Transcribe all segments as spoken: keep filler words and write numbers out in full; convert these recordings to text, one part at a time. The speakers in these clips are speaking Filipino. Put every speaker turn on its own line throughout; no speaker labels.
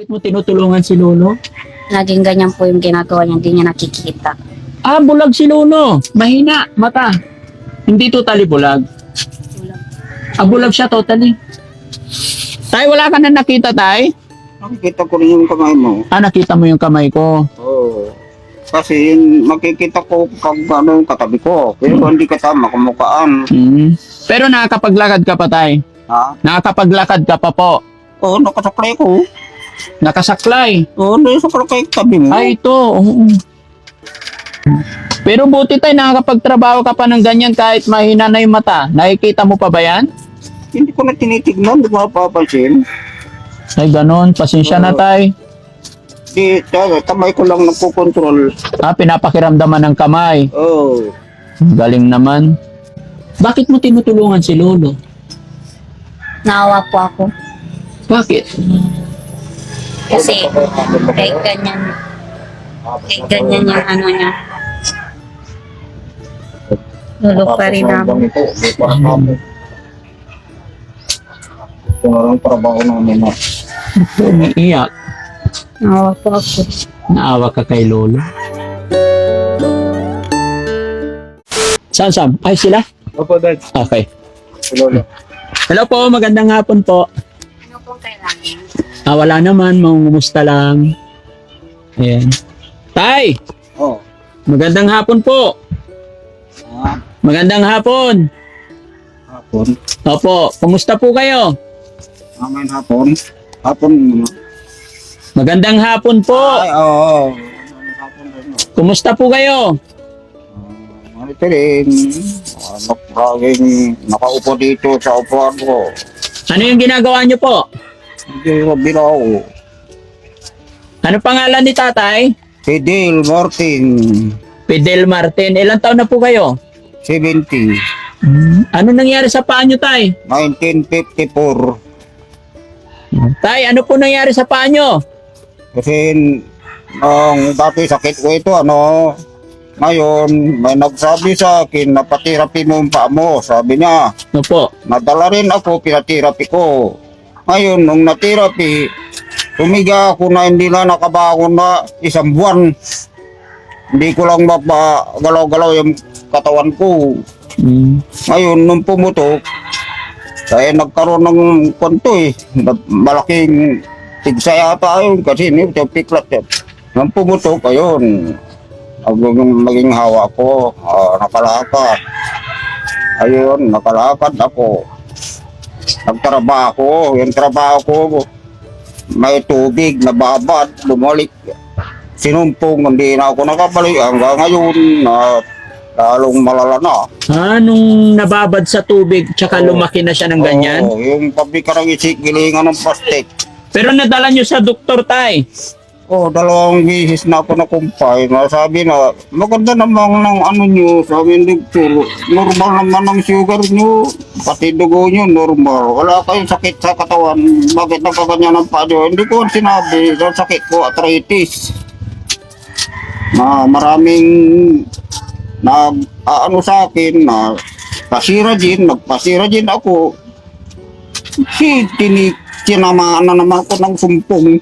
Bakit mo tinutulungan si Lolo?
Naging ganyan po yung ginagawa niya, hindi niya nakikita.
Ah, bulag si Lolo. Mahina, mata. Hindi totally bulag. Ah, bulag siya totally. Tay, wala ka na nakita, Tay?
Nakikita ko rin yung kamay mo.
Ah, nakita mo yung kamay ko.
Oo. Kasi yun, makikita ko pag ano, katabi ko. Pero hindi kasama, kumukaan.
Hmm. Pero nakakapaglakad ka pa, Tay?
Ha?
Nakakapaglakad ka pa po.
Oo, nakasaklay ko.
Nakasaklay.
Oo, nakasaklay ko tabi mo.
Ay, ito. Oo. Pero buti, Tay, nakakapagtrabaho ka pa ng ganyan kahit mahina na yung mata. Nakikita mo pa ba yan?
Hindi ko na tinitignan, hindi ko napapansin.
Ay, ganun. Pasensya na, Tay.
Di, tayo, kamay ko lang nagkukontrol.
Ah, pinapakiramdaman ng kamay.
Oo.
Galing naman. Bakit mo tinutulungan si Lolo?
Naawa po ako.
Bakit?
Kasi kahit ganyan, kahit ganyan yung ano niya. Lulok pa rin namin.
Ito na lang trabaho namin na.
Umiiyak.
Naawa po ako.
Naawa ka kay Lolo. Saan, Sam? Ay, sila?
Opo, Dad.
Okay.
Lolo.
Hello po, magandang hapon po.
Ano pong kailangan?
Ah, wala naman, mangumusta lang. Ayan. Tay,
Oo.
magandang hapon po.
Ah,
Magandang hapon.
hapon.
Opo, kumusta po kayo?
Amin hapon. Hapon.
Magandang hapon po.
Ay, oo. Hapon rin.
Kumusta po kayo?
Ano ito rin? Ano, laging nakaupo dito sa upuan ko.
Ano yung ginagawa niyo po?
Hindi ko bilaw.
Ano pangalan ni tatay?
Si Dale Martin,
Fidel Martin. Ilang taon na po kayo?
seventy,
Ano nangyari sa paa niyo, tay?
nineteen fifty-four.
Tay, ano po nangyari sa paa niyo?
Kasi nung dati sakit ko ito, ano, ngayon may nagsabi sa akin na patirapi mo yung paa mo. Sabi niya,
Ano po?
nadala rin ako, pinatirapi ko. Ngayon, nung natirapi, tumiga ako na hindi na nakabangon na isang buwan. Hindi ko lang mapagalaw-galaw yung katawan ko.
Mm.
Ngayon, nung pumutok, kaya nagkaroon ng kwento eh. Na- Malaking tigsa yata yun kasi yun, yung piklat yun. Nung pumutok, ayun, naging, maging hawa ko, ah, nakalakad. Ayun, nakalakad ako. Nagtrabaho, yung trabaho ko, may tubig, nababad, bumalik. Sinumpong, hindi na ako nakabalik. Hanggang ngayon, na lalong malala na.
Ah, nung nababad sa tubig, tsaka
Oo.
lumaki na siya ng ganyan?
Oo, yung pabikarang isik, gilingan ng plastic.
Pero nadala niyo sa doktor, tay.
Oh, dalawang bisis na ako nakumpay. Sabi na, maganda naman ng ano nyo, sabi ng doktor, normal naman ang sugar nyo, pati dugo nyo, normal. Wala kayong sakit sa katawan, bakit nagkaganyan ang paa nyo? Hindi ko sinabi, ang sakit ko, arthritis. Na maraming nag ano sa akin na pasira din, nagpasira din ako. Si tinik, tinamaan na naman ko ng sumpong.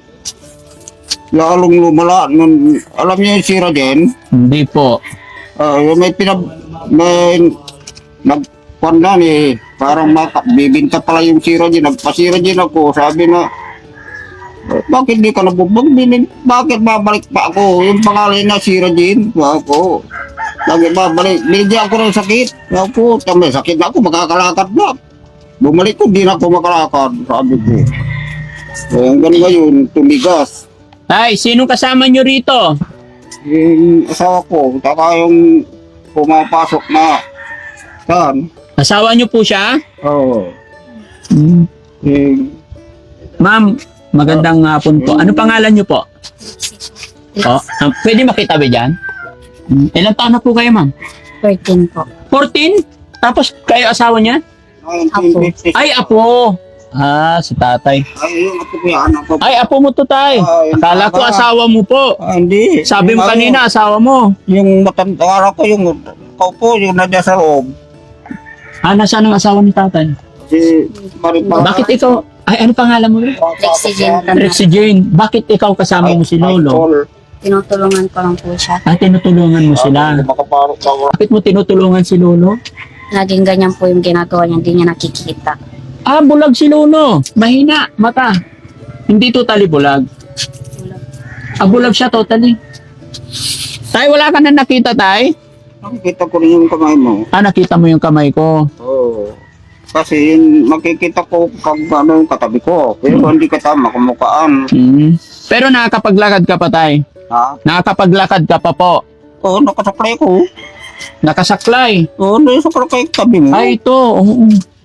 Lalong lumala. Nun, alam niyo yung sira din?
Hindi po.
Ah, yung may pinab... May... Nagpanda eh. Parang maka, bibinta pala yung sira din. Nagpasira din ako. Sabi na, "Eh, bakit di ka nabubog? Binin, bakit babalik pa ako? Yung pangalan na sira din. Ako. Bakit babalik? Binigyan ako ng sakit. Ako, tamay sakit na ako. Makakalakad na. Bumalik ko, di na ako makalakad. Sabi ko. Eh, hanggang ngayon, tumigas.
Tay, sinong kasama niyo rito?
Yung asawa ko, saka yung pumapasok na saan?
Asawa niyo po siya?
Oo.
Mm.
Yung,
Ma'am, magandang hapon po. Ano pangalan niyo po? Oh, um, pwede makita ba dyan? Mm. Ilang taon na po kayo, ma'am?
thirteen po.
fourteen? Tapos kayo asawa niya?
nineteen fifty.
Ay, apo! Ah, si tatay.
Ay, yung apo ko yan. Apo ko.
Ay, apo mo to, tay.
Ah, yung
Akala ko
tama.
asawa mo po.
Ah, hindi.
Sabi mo
Yung
kanina,
ano,
asawa mo.
Yung matanda ko, yung kaupo, yung nandiyan sa loob.
Ah, nasaan ang asawa ni tatay?
Si Maripa.
Bakit ikaw, ay ano pangalan mo?
Oxygen ka na.
Rexy Jane. Bakit ikaw kasama mo si Lolo?
Tinutulungan ko lang po siya.
Ah, tinutulungan mo sila.
Makaparok ka wala.
Bakit mo tinutulungan si Lolo?
Naging ganyan po yung ginagawa niya, hindi niya nakikita.
Ah, bulag si Lolo. Mahina, mata. Hindi totally bulag. Ah, bulag siya totally. Tay, wala ka na nakita, Tay?
Nakikita ko rin yung kamay mo.
Ah, nakita mo yung kamay ko.
Oo. Kasi yun, makikita ko pag ano yung katabi ko. Pero hindi katama, kumukaan.
Hmm. Pero nakakapaglakad ka pa, Tay.
Ha?
Nakakapaglakad ka pa po.
Oo, nakasaklay ko.
Nakasaklay.
Oo, nakasaklay ko tabi mo.
Ay, ito. Oo.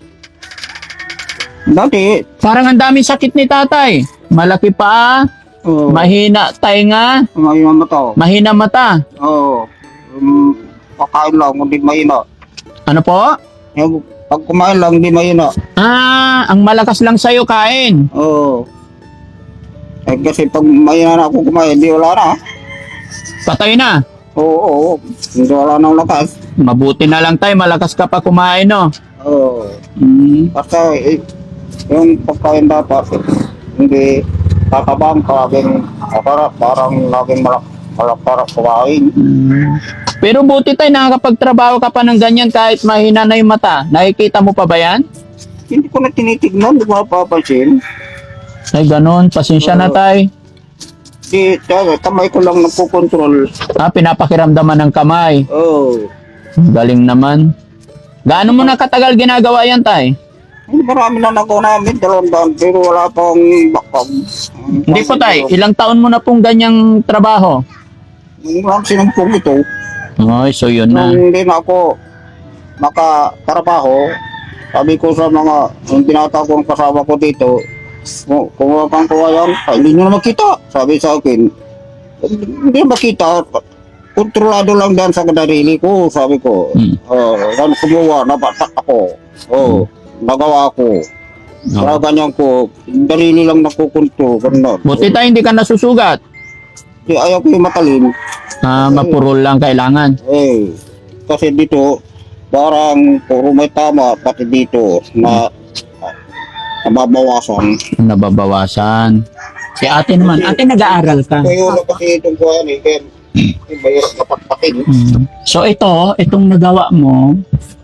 Dati.
Parang ang daming sakit ni tatay. Malaki pa,
Oo.
mahina tainga,
May mata.
mahina mata.
Oo. Um, pakain lang, hindi mahina.
Ano po?
Yung, pag kumain lang, hindi mahina.
Ah, ang malakas lang sa'yo kain.
Oo. Eh, kasi pag mahina na ako kumain, hindi wala na.
Patay na.
Oo, oo. Hindi wala nang lakas.
Mabuti na lang tayo, malakas ka pa kumain, no?
Oo.
Hmm.
Basta eh, yung pagkain dapat, eh, hindi tatabang kaging aparat, parang laging malak malak para kumain.
Hmm. Pero buti tayo, nakakapagtrabaho ka pa ng ganyan kahit mahina na yung mata. Nakikita mo pa ba yan?
Hindi ko na tinitignan, di ba papansin?
Ay, ganun. Pasensya na tayo.
Di, tayo, kamay ko lang nagpukontrol.
Ah, pinapakiramdaman ng kamay.
Oo.
Galing naman. Gaano mo na katagal ginagawa yan, tay?
Hindi marami na nagawa namin, dalawang daan, pero wala pang bakag.
Hindi po, tay. Ilang taon mo na pong ganyang trabaho?
Ang sinumpong ito,
Ay, so yun na.
nung hindi na ako makatrabaho, sabi ko sa mga, yung binata kong kasama ko dito, kung kung kang kawayan, hindi nyo na makita. Sabi sa akin, hindi na makita. Kontrolado lang dyan sa kadarili ko, sabi ko.
Hmm.
Oh, yan kumuha, napatak ako. Oh, nagawa ko.
Oh.
Kaya ganyan ko, darili lang nakukunto, ganun.
Buti tayo hindi ka nasusugat.
Di ayaw ko yung matalim.
Ah, mapurol lang kailangan.
Eh, kasi dito, parang puro may tama, pati dito, na nababawasan.
Nababawasan. Si ate naman. Ate, nag-aaral ka.
Kaya na kasi itong kuhan eh, kaya yung mahirap na patpakin.
Mm. So ito, itong nagawa mo,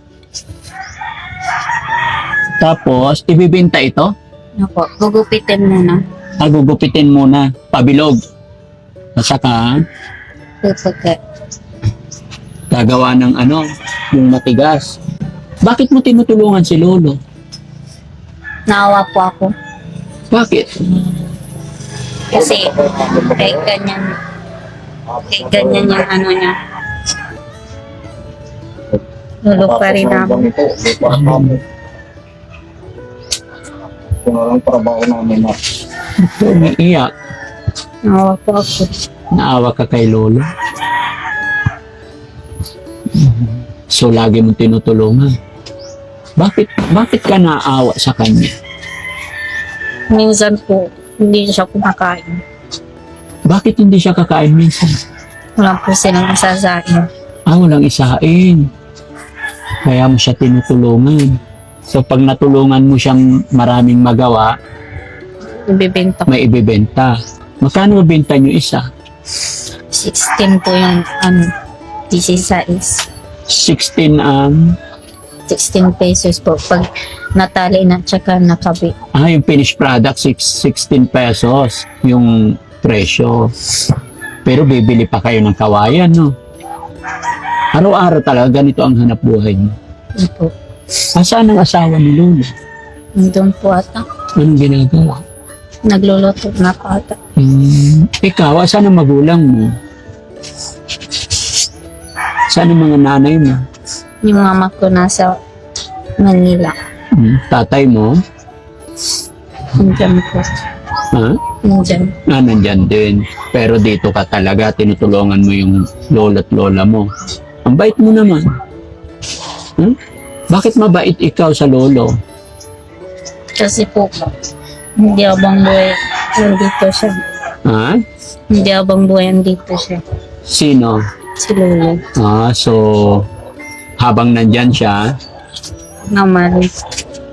tapos ibibenta ito,
Ano po, gugupitin muna.
agugupitin muna, pabilog. At saka,
Puputi.
gagawa ng ano, yung matigas. Bakit mo tinutulungan si Lolo?
Naawa po ako.
Bakit?
Kasi kahit ganyan, kahit ganyan yung ano niya. Lolo pa rin namin.
Ito, para kami. Ito na lang trabaho namin na.
Ito, umiiyak.
Naawa po ako.
Naawa ka kay Lolo. So, lagi mong tinutulungan. Bakit, bakit ka naawa sa kanya?
Minsan po, hindi siya kumakain.
Bakit hindi siya kakain minsan?
Wala po silang masasain.
Ah, walang isain. Kaya mo siya tinutulungan. So, pag natulungan mo siyang maraming magawa,
Ibibenta ko.
may ibibenta. Magkano benta niyo isa?
sixteen po yung ano, sixteen.
sixteen ang...
sixteen pesos po. Pag natali na tsaka nakabi.
ah, yung finished product, six- sixteen pesos yung presyo. Pero bibili pa kayo ng kawayan, no? Araw-araw talaga ganito ang hanap buhay niyo.
Yun po.
Asaan ang asawa ni Lolo?
Nandun po ata.
Anong ginagawa?
Nagluluto na po ata.
Hmm, ikaw, asan ang magulang mo? Saan ang mga nanay mo?
Yung mama ko nasa Manila.
Hmm, tatay mo?
Nandyan po.
Ha?
Nandyan.
Ah, nandyan din. Pero dito ka talaga, tinutulungan mo yung lolo at lola mo. Ang bait mo naman. Hmm? Bakit mabait ikaw sa lolo?
Kasi po, hindi abang buhay nandito siya.
Ha?
Hindi abang buhay nandito siya.
Sino?
Si Lolo.
Ah, so habang nandyan siya,
Naman.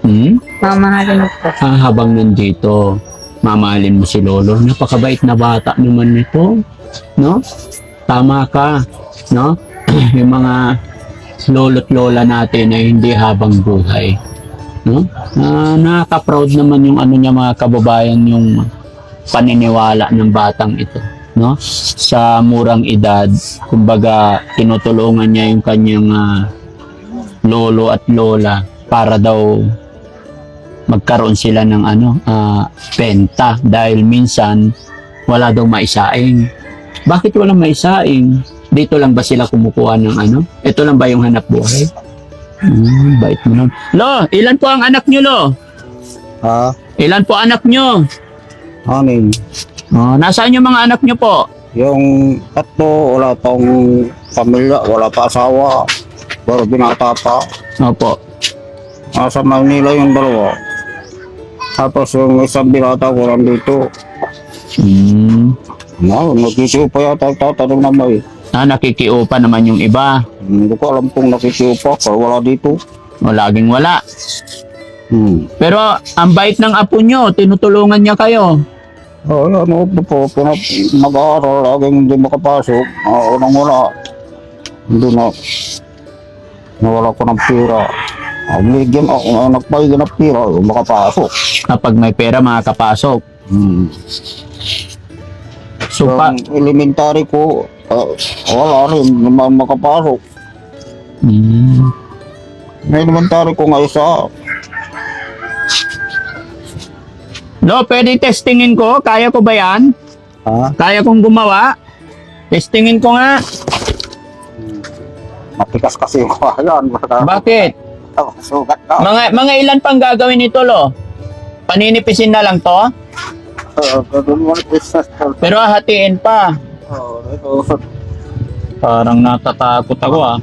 Hmm?
Mamahalin mo po.
Ah, habang nandito, mamahalin mo si Lolo. Napakabait na bata naman nito. No? Tama ka. No? Yung mga lolo't lola natin ay hindi habang buhay. No? Ah, nakaka-proud naman yung ano niya mga kababayan, yung paniniwala ng batang ito. No? Sa murang edad, kumbaga tinutulungan niya yung kanyang ah, lolo at lola para daw magkaroon sila ng ano, ah, benta dahil minsan wala daw maisaing. Bakit walang maisaing? Dito lang ba sila kumukuha ng ano? Ito lang ba yung hanap buhay? Hmm, bait mo nun. Lo, ilan po ang anak nyo, Lo?
Ha?
Ilan po anak nyo?
Anin?
Oh, nasaan yung mga anak nyo po?
Yung tatlo, wala pang pamilya, wala pa asawa. Pero binata pa.
Opo.
Nasa Manila yung dalawa. Tapos yung isang binata ko lang dito.
Hmm.
No, nagkisiyo pa yata tatanong na may.
Ah, nakikiupa naman yung iba.
Hindi ko alam kung nakisiyo pa, pero wala dito.
O, laging wala.
Hmm.
Pero, ang bait ng apo nyo, tinutulungan niya kayo.
Oh, ano po, pinap mag-aaral, laging hindi makapasok. Uh, unang wala. Hindi na. Nawala ko ng pera. Uh, Bigyan ako, uh, nagpahigyan ng pera, uh, makapasok.
Kapag may pera, makakapasok.
Hmm.
So, pa...
Yung elementary ko, uh, wala rin, naman makapasok.
Hmm.
May elementary ko nga isa.
Lo, pwede testingin ko? Kaya ko ba yan?
Ha?
Kaya kong gumawa? Testingin ko nga.
Matikas kasi yung kahayan.
Bakit?
Sugat ka.
Mga, mga ilan pang gagawin nito, Lo? Paninipisin na lang to?
Uh, ganun mo business ko.
Pero hahatiin pa.
Oh, ito.
Parang natatakot ako, ah.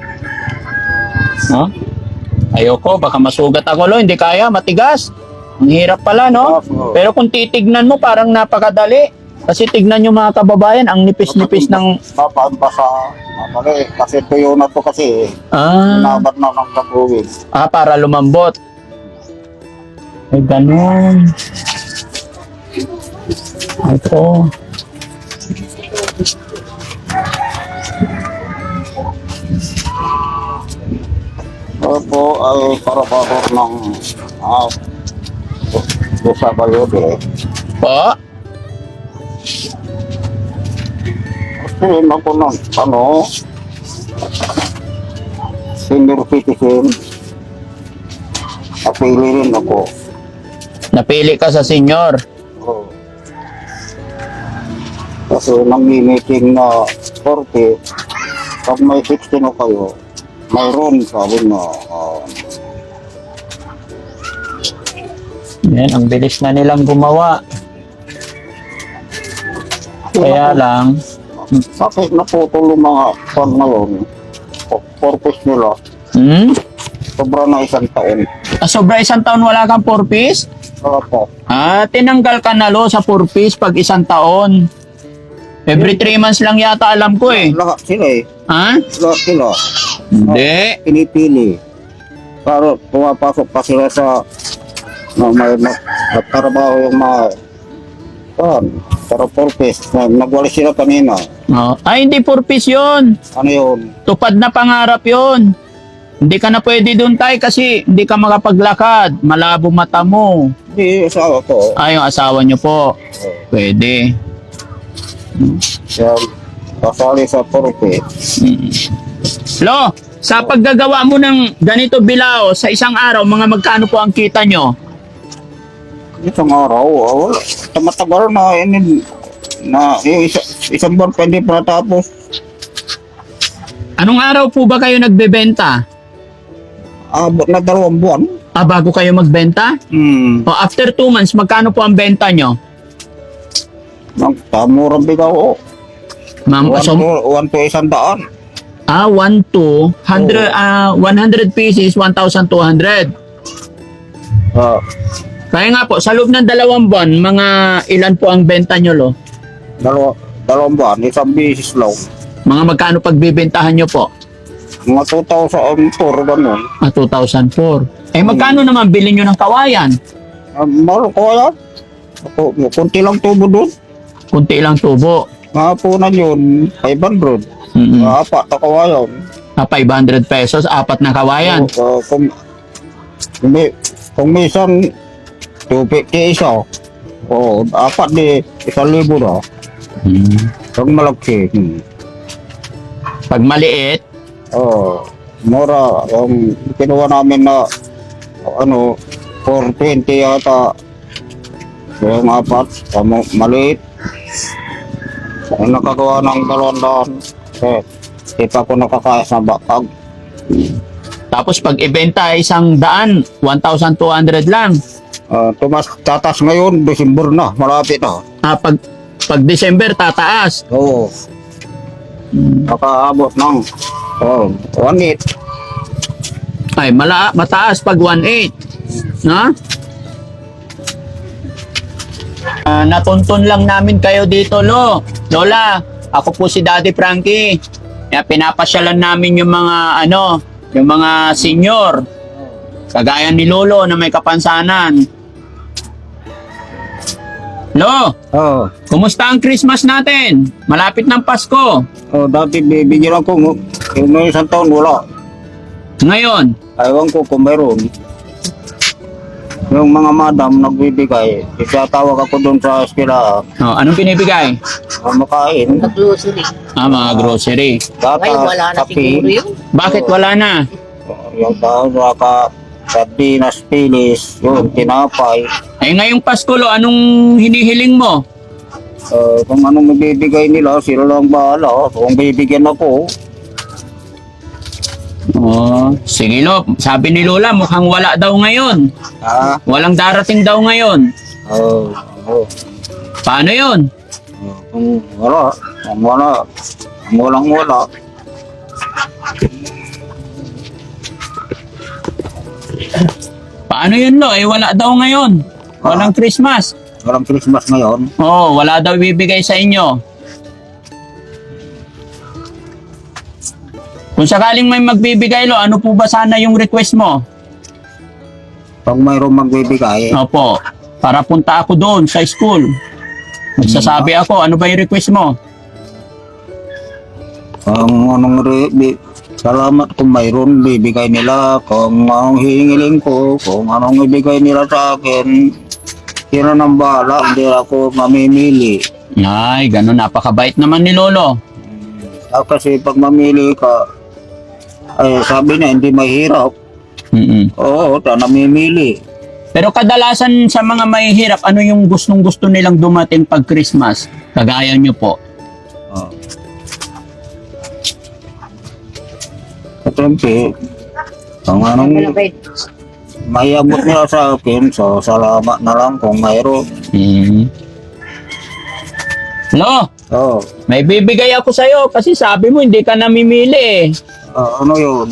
No? Ayoko, baka masugat ako, Lo. Hindi kaya, matigas. Ang hirap pala, no? Pero kung titignan mo, parang napakadali. Kasi tignan nyo mga kababayan, ang nipis-nipis ng...
Papaan pa sa... Mali, kasi tuyo na to kasi.
Ah,
Nabat na ng kabuwin.
ah para lumambot. Ay, ganun. Ito.
Opo, ay para-para ng... Ah, dosa kayo eh.
Po?
Kasi ako ng ano, senior citizen. Napili rin ako.
Napili ka sa senior.
Oh. Kasi nang-meeting na forty, pag may sixty na kayo, mayroon sabi na, uh,
Yan, ang bilis na nilang gumawa. Kaya lang,
bakit naputol yung mga fan na yun? Purpose nila,
hmm?
sobra na isang taon.
Ah, sobra isang taon wala kang four piece?
Wala po.
Ah, tinanggal ka na, Lo, sa four piece pag isang taon. Every three months lang yata alam ko eh.
Lahat sila eh.
Ha?
Lahat sila.
Hindi.
Pinipili. Pero pumapasok pa sila sa na may nagtrabaho yung mga yan, pero purpose. Nagwali sila kanina.
Oh. Ay, hindi four piece yun.
Ano yun?
Tupad na pangarap yun. Hindi ka na pwede doon, tay, kasi hindi ka makapaglakad. Malabo mata mo.
Hindi, asawa ko.
Ay, yung asawa nyo po. Pwede.
Yan, kasali sa purpose.
Mm. Lo, sa paggagawa mo ng ganito bilao sa isang araw, mga magkano po ang kita nyo?
Isang araw, ah, wala. Tumatagal na, yun, na yung isa, isang buwan pwede pa natapos.
Anong araw po ba kayo nagbebenta?
Abot na dalawang buwan.
Ah, bago kayo magbenta?
Hmm.
O after two months, magkano po ang benta nyo?
Ang tamurang bigaw, oh.
Ma'am,
One
so,
to, one to isang daan.
ah, one to, hundred, ah, one hundred pieces, one thousand two hundred.
Ah,
Kaya nga po, sa loob ng dalawang buwan, mga ilan po ang benta nyo, Lo?
dalawa, dalawang buwan, isang bisis lang.
Mga magkano pagbibentahan nyo po?
Mga two thousand four, ganun.
Ah, two thousand four. Eh, magkano naman bilhin nyo ng kawayan?
Uh, Mahal ko yan. Ako, kunti lang tubo doon.
Kunti lang tubo.
Mahapunan yun, five hundred.
Mm-mm.
Apat na kawayan.
Ah, five hundred pesos, apat na kawayan.
Uh, kung, kung, may, kung minsan, two fifty isa. O, apat di, isang libo na.
Hmm.
Pag malaki. Hmm.
Pag maliit,
Oh, mura. Yung kinuha namin na, ano, four twenty yata. Yung apat, tamo, maliit. Yung nakagawa ng dalawang daan. Eh, di pa ako nakakaya sa bakag.
tapos pag ibenta ay isang daan, one thousand two hundred lang.
Uh, tumas, tatas ngayon, December na, malapit na.
Ah, pag, pag December, tataas.
Oo. Nakaabot ng, oh, one eight.
Ay, mala, mataas pag one eight. No? Ah, natuntun lang namin kayo dito, Lo. Lola, ako po si Daddy Frankie. Kaya pinapasyalan namin yung mga, ano, yung mga senior. Kagaya ni Lolo na may kapansanan. Lo,
Oh,
kumusta ang Christmas natin? Malapit ng Pasko.
oh, dati bibigyan ako, mo- yung may isang taon wala.
Ngayon,
Ayaw ko kung mayroon. Yung mga madam nagbibigay, isatawag ako doon sa eskwela,
oh, anong pinibigay?
uh, makain,
Nag-grocery.
Ah, mga grocery.
gata,
Ngayon wala na siguro
kape,
yun.
Bakit wala na?
uh, yung tao, saka sardinas, pilis, yun, tinapay.
Ay, ngayong Pasko, Lo, anong hinihiling mo?
Uh, kung anong mabibigay nila, sila lang bahala. Kung bibigyan ako,
Oh, sige, Lo. Sabi ni Lola, mukhang wala daw ngayon.
ah,
Walang darating daw ngayon.
oh, oh,
Paano yun?
oh, kung wala, kung wala, kung walang wala,
Paano yun, Lo? Eh, wala daw ngayon. Walang Christmas.
walang Christmas ngayon.
Oh, wala daw ibibigay sa inyo. Kung sakaling may magbibigay, Lo, ano po ba sana yung request mo?
Pag mayroong magbibigay,
Opo, para punta ako doon sa school. Magsasabi ako, ano ba yung request mo?
kung anong re, bi, salamat kung mayroon bibigay nila, kung anong hihingiling ko, kung anong ibigay nila sa akin, sila nang bahala, hindi ako mamimili.
Ay, ganun, napakabait naman ni Lolo.
Ah, kasi pag mamili ka, ay sabi niya hindi mahirap.
Mm-mm.
Oo, ta namimili.
Pero kadalasan sa mga mahihirap, ano yung gustong gusto nilang dumating pag Christmas? Kagaya nyo po.
Oh. Siyempre, kung anong may abot nila sa akin, so salamat na lang kung mayroon.
Mm. Lo,
Oh,
may bibigay ako sa'yo kasi sabi mo hindi ka namimili eh.
ah, ano yun?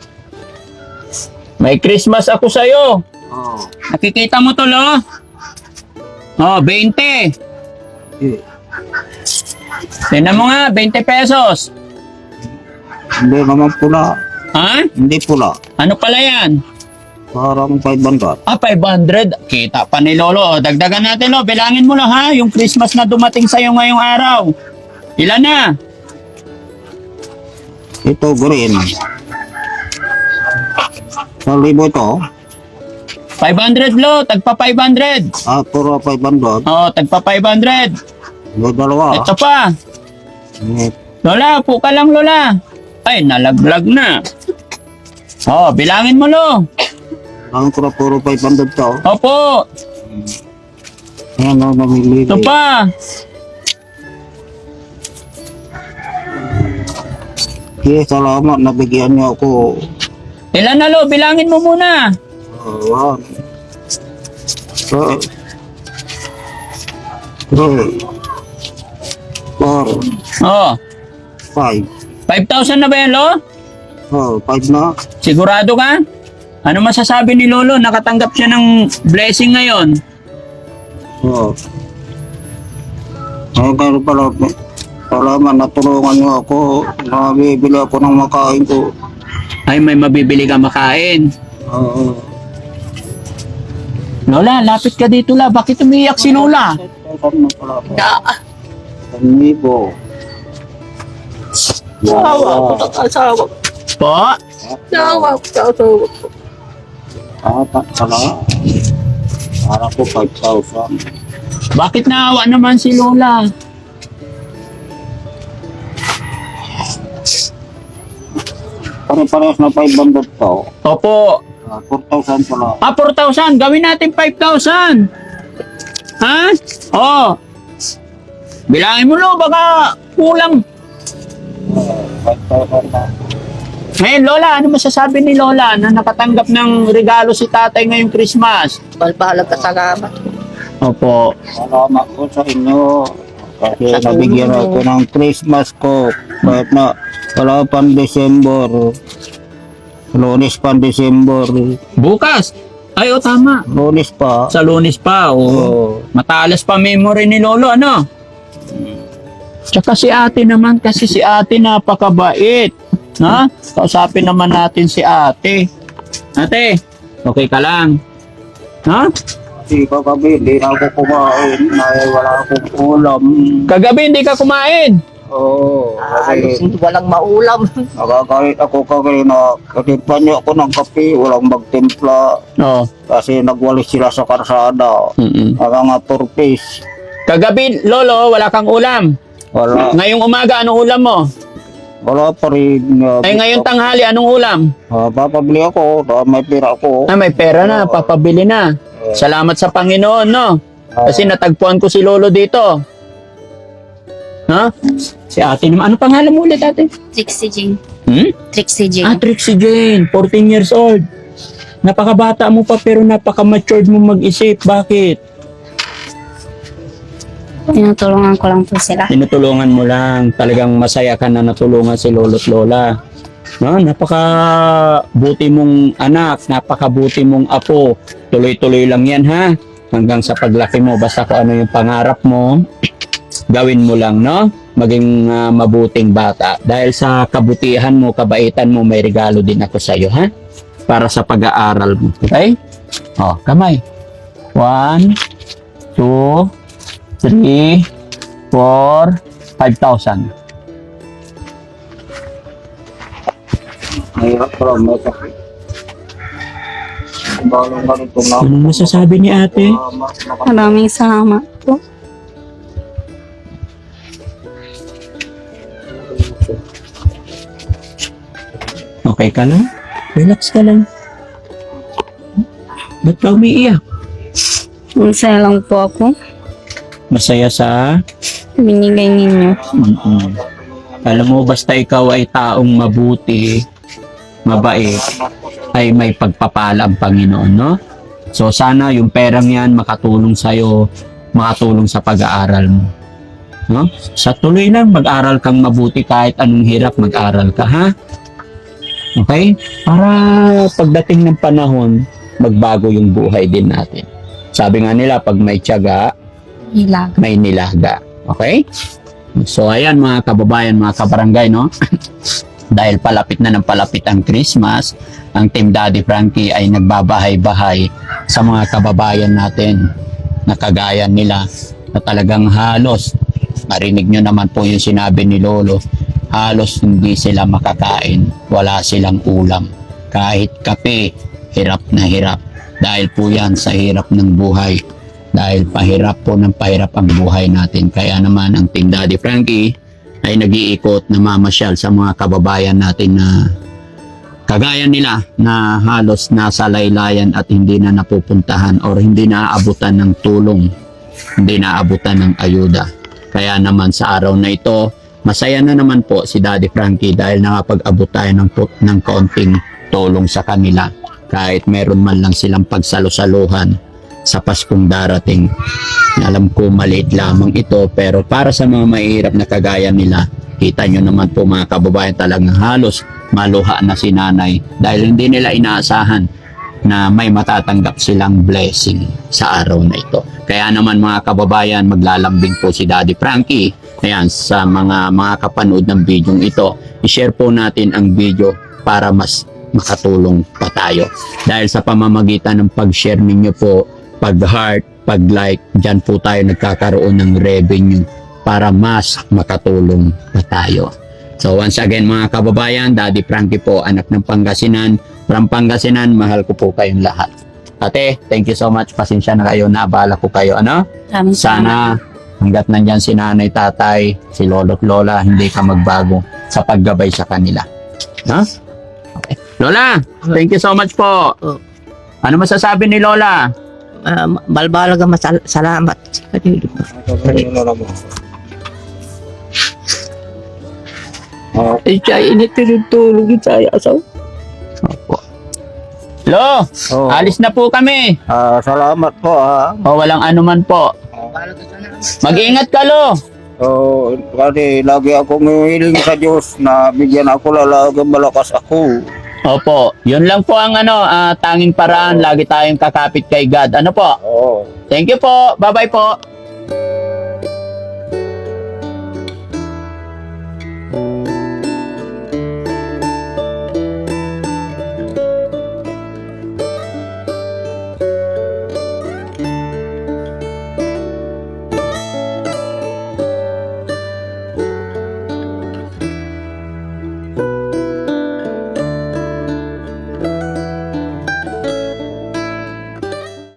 May Christmas ako sa'yo.
Oh,
Nakikita mo to, Lo? Oh, twenty.
eh,
Tingnan mo nga, twenty pesos.
hindi naman pula.
Ha?
Hindi pula.
Ano pala yan?
Parang five hundred.
Ah, five hundred. Kita pa ni Lolo. Dagdagan natin, Lo. Bilangin mo, Lo, ha? Yung Christmas na dumating sa'yo ngayong araw. Ilan na?
Ito green. Sa libo ito,
five hundred, Lo. Tagpa five hundred.
ah, puro five hundred.
Oh, tagpa five hundred.
May dalawa.
Ito pa.
Eh,
Lola, po ka lang, Lola. Ay, nalaglag na. Oh, bilangin mo, Lo.
Ang ko na puro five hundred to.
Opo.
Ayan na namili.
Ito pa.
Okay, salamat. Nabigyan niyo ako.
Ilan na, Lo? Bilangin mo muna.
Oh, one. Two. Three. Four.
Oh,
Five.
five thousand na ba yan, Lo?
Oh, five na.
Sigurado ka? Ano masasabi ni Lolo? Nakatanggap siya ng blessing ngayon.
Oh. Ay, kayo pala. Salamat, natulungan niyo ako. Nabibili ako ng makain ko.
Ay, may mabibili ka makain.
Oo.
Lola, lapit ka dito la. Bakit umiiyak si Lola?
Panibo.
Sawa ko sa asawa ko.
Po?
Sawa ko sa asawa ko.
Apat pala. Para ko five thousand.
Bakit naawa naman si Lola?
Pare-parehas na five hundred to.
Opo.
Ah, four thousand pala.
Ah, four thousand. Gawin natin five thousand. Ha? Oo. Bilangin mo lo, baka kulang.
five thousand na.
Ngayon, Lola, ano masasabi ni Lola na nakatanggap ng regalo si tatay ngayong Christmas?
Balbalag ka salamat.
Opo.
Salamat ko sa inyo. Kasi nabigyan ako ng Christmas ko. Kahit na wala pang December. Lunes pa December.
Bukas. Ay, o tama.
Lunes pa.
Sa Lunes pa, o.
Oo.
Matalas pa memory ni Lolo, ano? Tsaka si ate naman, kasi si ate napakabait. Ha? Kausapin naman natin si ate. Ate, okay ka lang? Ha?
Kasi kagabi, hindi na ako kumain. Ay, wala akong ulam.
Kagabi hindi ka kumain.
Oo.
Alos
Kasi
walang maulam.
nagagalit ako kagabi na katipan niyo ako ng kape. Walang magtimpla.
Oo.
Kasi nagwalis sila sa karsada.
Mm-mm.
Ang mga turpis.
Kagabi, Lolo, wala kang ulam.
Wala.
Ngayong umaga, anong ulam mo?
Wala pa rin. Uh,
Ay, ngayon tanghali, anong ulam?
uh, papabili ako. Uh, may pira ako.
Ah, may pera na, papabili na. Salamat sa Panginoon, no? Kasi natagpuan ko si Lolo dito. Ha? Si ate naman. Ano pangalan mo ulit, ate?
Trixie Jane.
Hmm?
Trixie
Ah,
Jane.
Trixie Jane, fourteen years old. Napakabata mo pa pero napaka-matured mo mag-isip. Bakit?
Tinutulungan ko lang po sila.
Tinutulungan mo lang. Talagang masaya ka na natulungan si Lolo at Lola. No, napaka-buti mong anak, napaka-buti mong apo. Tuloy-tuloy lang yan, ha? Hanggang sa paglaki mo, basta kung ano yung pangarap mo, gawin mo lang, no? Maging ah, mabuting bata. Dahil sa kabutihan mo, kabaitan mo, may regalo din ako sa iyo, ha? Para sa pag-aaral mo. Okay? Oh, kamay. One, two, three, four, five thousand.
Mahirap pala may sakit. Bago nga rin ito na.
Anong masasabi ni ate?
Uh, ma- maka-
Maraming salamat po.
Okay ka lang? Relax ka lang. Ba't ka umiiyak?
Masaya lang po ako.
Masaya sa...
Binigay ninyo.
Mm-mm. Alam mo, basta ikaw ay taong mabuti, mabait, ay may pagpapala ang Panginoon, no? So sana yung perang yan makatulong sa'yo, makatulong sa pag-aaral mo. No? Sa tuloy lang, mag-aral kang mabuti kahit anong hirap, mag-aral ka, ha? Okay? Para pagdating ng panahon, magbago yung buhay din natin. Sabi nga nila, pag may tiyaga,
Hila.
may nilaga. Okay? So ayan mga kababayan, mga kabarangay, no? Dahil palapit na ng palapit ang Christmas, ang Team Daddy Frankie ay nagbabahay-bahay sa mga kababayan natin na kagaya nila na talagang halos, marinig nyo naman po yung sinabi ni Lolo, halos hindi sila makakain, wala silang ulam. Kahit kape, hirap na hirap. Dahil po yan sa hirap ng buhay. Dahil pahirap po ng pahirap ang buhay natin. Kaya naman ang Team Daddy Frankie ay nag-iikot na mamasyal sa mga kababayan natin na kagaya nila na halos nasa laylayan at hindi na napupuntahan or hindi naaabutan ng tulong, hindi naaabutan ng ayuda. Kaya naman sa araw na ito, masaya na naman po si Daddy Frankie dahil nakapag-abot tayo ng, ng kaunting tulong sa kanila. Kahit meron man lang silang pagsalo-saluhan sa Paskong darating. Alam ko maliit lamang ito pero para sa mga mahirap na kagaya nila, kita nyo naman po mga kababayan, talagang halos maluha na si nanay dahil hindi nila inaasahan na may matatanggap silang blessing sa araw na ito. Kaya naman mga kababayan, maglalambing po si Daddy Frankie. Ayan, sa mga mga kapanood ng video ito, i-share po natin ang video para mas makatulong pa tayo. Dahil sa pamamagitan ng pag-share ninyo po, pag-heart, pag-like, dyan po tayo nagkakaroon ng revenue para mas makatulong pa tayo. So once again mga kababayan, Daddy Frankie po, anak ng Pangasinan. From Pangasinan, mahal ko po kayong lahat. Ate, thank you so much. Pasensya na kayo, naabala ko kayo. Ano?
Maraming
Sana hanggat nandyan si nanay, tatay, si lolo't lola, hindi ka magbago sa paggabay sa kanila. No? Okay. Lola, thank you so much po.
Oh.
Ano masasabi ni Lola?
Uh, balbalaga masal salamat sa kanila.
Ah,
Ay, siya initinutulog sa asaw.
Opo. Lo,
oh,
alis na po kami.
ah, salamat po ah.
O walang anuman po. Mag-ingat ka, Lo.
So, kasi lagi akong humihiling sa Diyos na bigyan ako lalagang malakas ako.
Opo, yun lang po ang ano, ah, tanging paraan. Lagi tayong kakapit kay God. Ano po?
Oo.
Thank you po. Bye-bye po.